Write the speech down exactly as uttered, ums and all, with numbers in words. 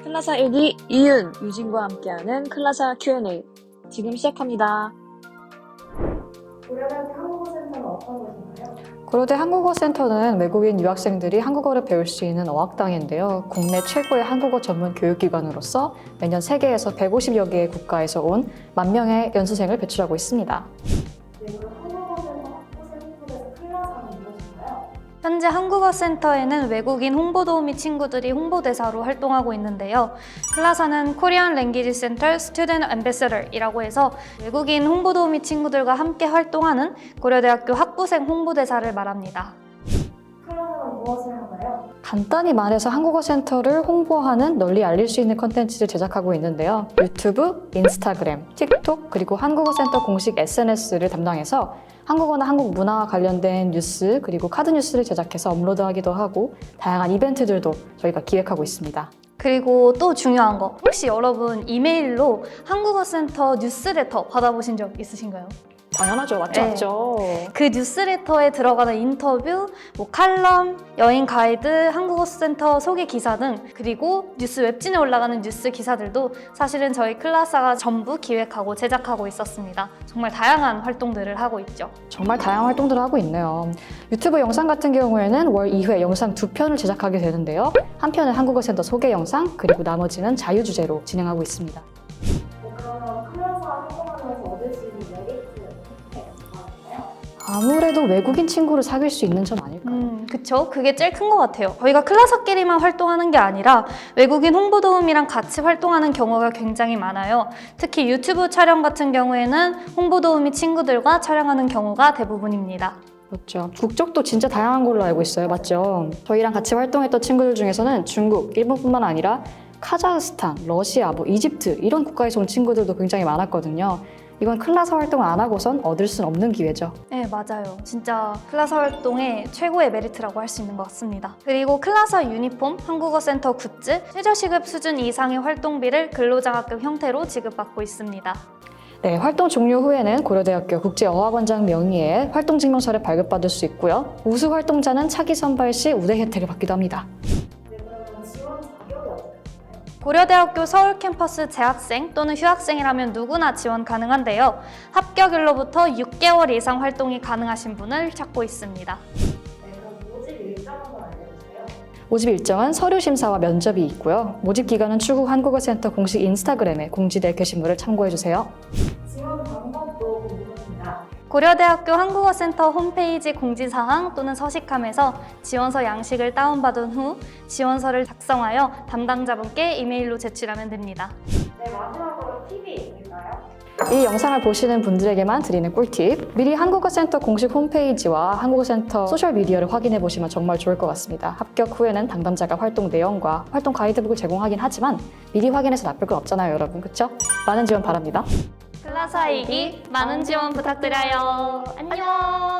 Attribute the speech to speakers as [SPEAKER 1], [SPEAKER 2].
[SPEAKER 1] 클라사 일기 이윤, 유진과 함께하는 클라사 큐 앤 에이 지금 시작합니다.
[SPEAKER 2] 고려대학교 한국어센터는 어떤 곳인가요?
[SPEAKER 3] 고려대 한국어센터는 외국인 유학생들이 한국어를 배울 수 있는 어학당인데요. 국내 최고의 한국어 전문 교육기관으로서 매년 세계에서 백오십여 개의 국가에서 온 만 명의 연수생을 배출하고 있습니다.
[SPEAKER 2] 네, 그럼 한국어센터 학부센터에서 클라사는 무엇인가요?
[SPEAKER 4] 현재 한국어센터에는 외국인 홍보도우미 친구들이 홍보대사로 활동하고 있는데요. 클라사는 Korean Language Center Student Ambassador이라고 해서 외국인 홍보도우미 친구들과 함께 활동하는 고려대학교 학부생 홍보대사를 말합니다.
[SPEAKER 2] 클라사는 무엇을 하나요?
[SPEAKER 3] 간단히 말해서 한국어센터를 홍보하는, 널리 알릴 수 있는 컨텐츠를 제작하고 있는데요. 유튜브, 인스타그램, 틱톡, 그리고 한국어센터 공식 에스 엔 에스를 담당해서 한국어나 한국 문화와 관련된 뉴스, 그리고 카드 뉴스를 제작해서 업로드하기도 하고 다양한 이벤트들도 저희가 기획하고 있습니다.
[SPEAKER 4] 그리고 또 중요한 거, 혹시 여러분 이메일로 한국어센터 뉴스레터 받아보신 적 있으신가요?
[SPEAKER 3] 당연하죠. 맞죠?
[SPEAKER 4] 네.
[SPEAKER 3] 맞죠?
[SPEAKER 4] 그 뉴스레터에 들어가는 인터뷰, 뭐 칼럼, 여행 가이드, 한국어센터 소개 기사 등 그리고 뉴스 웹진에 올라가는 뉴스 기사들도 사실은 저희 클라사가 전부 기획하고 제작하고 있었습니다. 정말 다양한 활동들을 하고 있죠.
[SPEAKER 3] 정말 다양한 활동들을 하고 있네요. 유튜브 영상 같은 경우에는 월 이 회 영상 두 편을 제작하게 되는데요. 한 편은 한국어센터 소개 영상, 그리고 나머지는 자유주제로 진행하고 있습니다.
[SPEAKER 2] 네, 그러면 클라사 활동하면서 얻을 수 있는 메리트 어떻게 말하나요?
[SPEAKER 3] 아무래도 외국인 친구를 사귈 수 있는 점 아닐까요?
[SPEAKER 4] 음, 그쵸. 그게 제일 큰 것 같아요. 저희가 클라사끼리만 활동하는 게 아니라 외국인 홍보도우미랑 같이 활동하는 경우가 굉장히 많아요. 특히 유튜브 촬영 같은 경우에는 홍보도우미 친구들과 촬영하는 경우가 대부분입니다.
[SPEAKER 3] 그렇죠. 국적도 진짜 다양한 걸로 알고 있어요. 맞죠? 저희랑 같이 활동했던 친구들 중에서는 중국, 일본뿐만 아니라 카자흐스탄, 러시아, 뭐 이집트 이런 국가에서 온 친구들도 굉장히 많았거든요. 이건 클라사 활동을 안 하고선 얻을 수는 없는 기회죠.
[SPEAKER 4] 네, 맞아요. 진짜 클라사 활동의 최고의 메리트라고 할 수 있는 것 같습니다. 그리고 클라사 유니폼, 한국어센터 굿즈, 최저시급 수준 이상의 활동비를 근로장학금 형태로 지급받고 있습니다.
[SPEAKER 3] 네, 활동 종료 후에는 고려대학교 국제어학원장 명의의 활동증명서를 발급받을 수 있고요. 우수 활동자는 차기 선발 시 우대 혜택을 받기도 합니다.
[SPEAKER 2] 네, 그러면 지원 자격이 어떻게 되나요?
[SPEAKER 4] 고려대학교 서울 캠퍼스 재학생 또는 휴학생이라면 누구나 지원 가능한데요. 합격일로부터 육 개월 이상 활동이 가능하신 분을 찾고 있습니다.
[SPEAKER 2] 네, 그럼 모집 일정 한번 알려주세요.
[SPEAKER 3] 모집 일정은 서류 심사와 면접이 있고요. 모집 기간은 추후 한국어센터 공식 인스타그램에 공지될 게시물을 참고해주세요.
[SPEAKER 2] 지원 방법도 궁금합니다.
[SPEAKER 4] 고려대학교 한국어센터 홈페이지 공지사항 또는 서식함에서 지원서 양식을 다운받은 후 지원서를 작성하여 담당자분께 이메일로 제출하면 됩니다.
[SPEAKER 2] 네, 마지막으로 팁이 있을까요?
[SPEAKER 3] 이 영상을 보시는 분들에게만 드리는 꿀팁. 미리 한국어센터 공식 홈페이지와 한국어센터 소셜미디어를 확인해 보시면 정말 좋을 것 같습니다. 합격 후에는 담당자가 활동 내용과 활동 가이드북을 제공하긴 하지만 미리 확인해서 나쁠 건 없잖아요, 여러분. 그렇죠? 많은 지원 바랍니다.
[SPEAKER 4] 클라사이기 많은 지원 부탁드려요. 안녕!